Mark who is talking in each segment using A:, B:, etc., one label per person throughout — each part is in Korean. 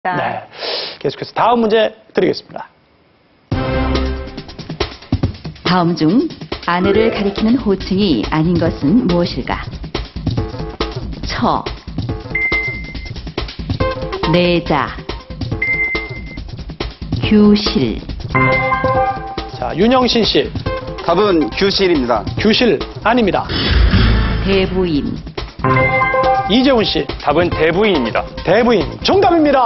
A: 네. 계속해서 다음 문제 드리겠습니다.
B: 다음 중 아내를 가리키는 호칭이 아닌 것은 무엇일까? 처, 내자, 규실.
A: 자, 윤영신 씨.
C: 답은 규실입니다.
A: 규실 아닙니다.
B: 대부인.
A: 이재훈 씨.
D: 답은 대부인입니다.
A: 대부인 정답입니다.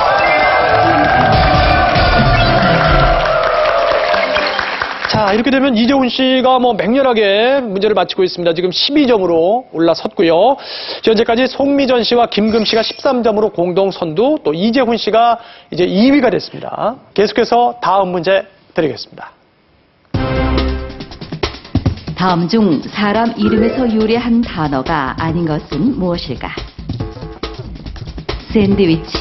A: 자, 이렇게 되면 이재훈 씨가 맹렬하게 문제를 맞히고 있습니다. 지금 12점으로 올라섰고요. 현재까지 송미전 씨와 김금 씨가 13점으로 공동 선두, 또 이재훈 씨가 이제 2위가 됐습니다. 계속해서 다음 문제 드리겠습니다.
B: 다음 중 사람 이름에서 유래한 단어가 아닌 것은 무엇일까? 샌드위치,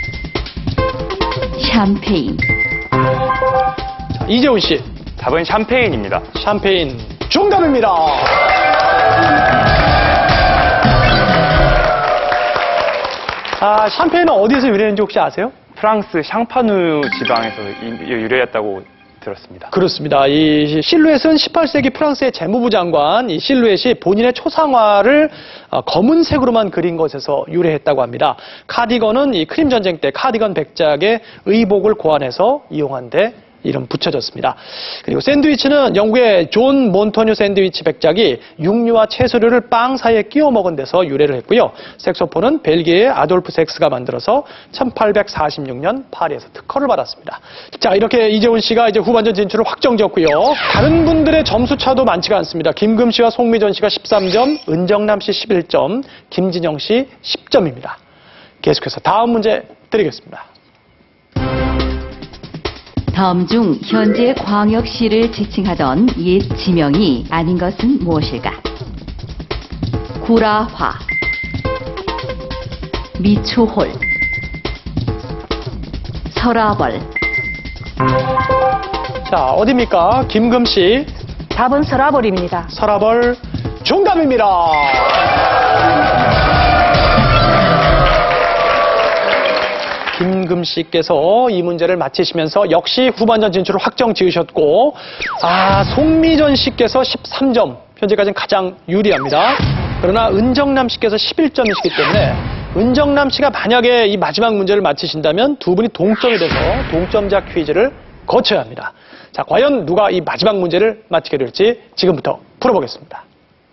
B: 샴페인.
A: 자, 이재훈 씨.
D: 답은 샴페인입니다.
A: 샴페인 정답입니다. 아, 샴페인은 어디에서 유래했는지 혹시 아세요?
D: 프랑스 샹파누 지방에서 유래했다고 들었습니다.
A: 그렇습니다. 이 실루엣은 18세기 프랑스의 재무부 장관 이 실루엣이 본인의 초상화를 검은색으로만 그린 것에서 유래했다고 합니다. 카디건은 이 크림 전쟁 때 카디건 백작의 의복을 고안해서 이용한 데 이름 붙여졌습니다. 그리고 샌드위치는 영국의 존 몬토뉴 샌드위치 백작이 육류와 채소류를 빵 사이에 끼워 먹은 데서 유래를 했고요. 색소폰은 벨기에의 아돌프 섹스가 만들어서 1846년 파리에서 특허를 받았습니다. 자, 이렇게 이재훈 씨가 이제 후반전 진출을 확정지었고요. 다른 분들의 점수 차도 많지가 않습니다. 김금 씨와 송미전 씨가 13점, 은정남 씨 11점, 김진영 씨 10점입니다. 계속해서 다음 문제 드리겠습니다.
B: 다음 중 현재 광역시를 지칭하던 옛 지명이 아닌 것은 무엇일까? 구라화, 미추홀, 서라벌.
A: 자, 어디입니까? 김금 씨.
E: 답은 서라벌입니다.
A: 서라벌 정답입니다. 김금 씨께서 이 문제를 맞히시면서 역시 후반전 진출을 확정 지으셨고, 송미전 씨께서 13점, 현재까지는 가장 유리합니다. 그러나 은정남 씨께서 11점이시기 때문에 은정남 씨가 만약에 이 마지막 문제를 맞히신다면 두 분이 동점이 돼서 동점자 퀴즈를 거쳐야 합니다. 자, 과연 누가 이 마지막 문제를 맞히게 될지 지금부터 풀어보겠습니다.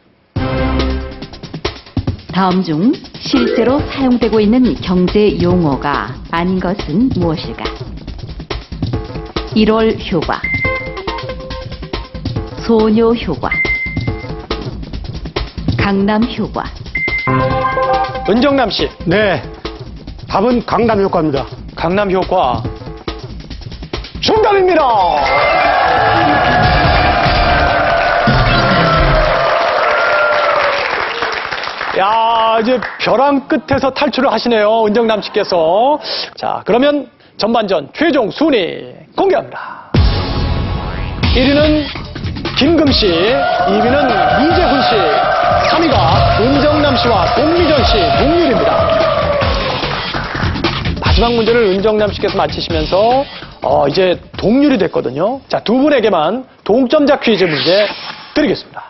B: 다음 중 실제로 사용되고 있는 경제 용어가 아닌 것은 무엇일까? 1월 효과, 소녀 효과, 강남 효과.
A: 은정남 씨.
F: 네, 답은 강남 효과입니다.
A: 강남 효과 정답입니다. 야, 이제 벼랑 끝에서 탈출을 하시네요, 은정남 씨께서. 자, 그러면 전반전 최종 순위 공개합니다. 1위는 김금 씨, 2위는 이재훈 씨, 3위가 은정남 씨와 송미전 씨 동률입니다. 마지막 문제를 은정남 씨께서 맞히시면서 이제 동률이 됐거든요. 자, 두 분에게만 동점자 퀴즈 문제 드리겠습니다.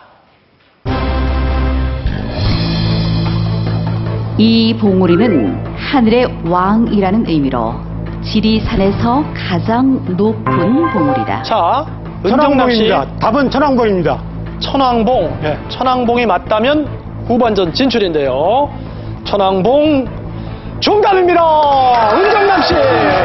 B: 이 봉우리는 하늘의 왕이라는 의미로 지리산에서 가장 높은 봉우리다.
A: 자, 은정남 씨.
F: 천왕봉입니다. 답은 천왕봉입니다.
A: 천왕봉.
F: 네.
A: 천왕봉이 맞다면 후반전 진출인데요. 천왕봉 정답입니다. 은정남 씨.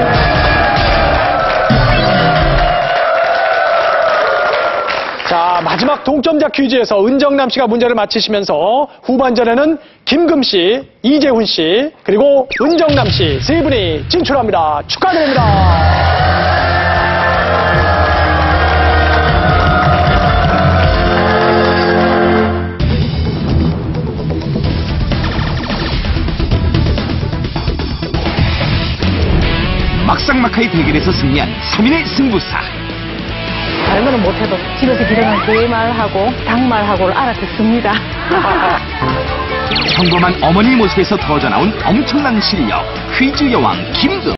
A: 자, 마지막 동점자 퀴즈에서 은정남 씨가 문제를 맞히시면서 후반전에는 김금 씨, 이재훈 씨, 그리고 은정남 씨 세 분이 진출합니다. 축하드립니다.
G: 막상막하의 대결에서 승리한 서민의 승부사.
E: 다른 거는 못해도 집에서 기르는 개말하고 닭말하고를 알아듣습니다.
G: 평범한 어머니 모습에서 터져나온 엄청난 실력 퀴즈 여왕 김금.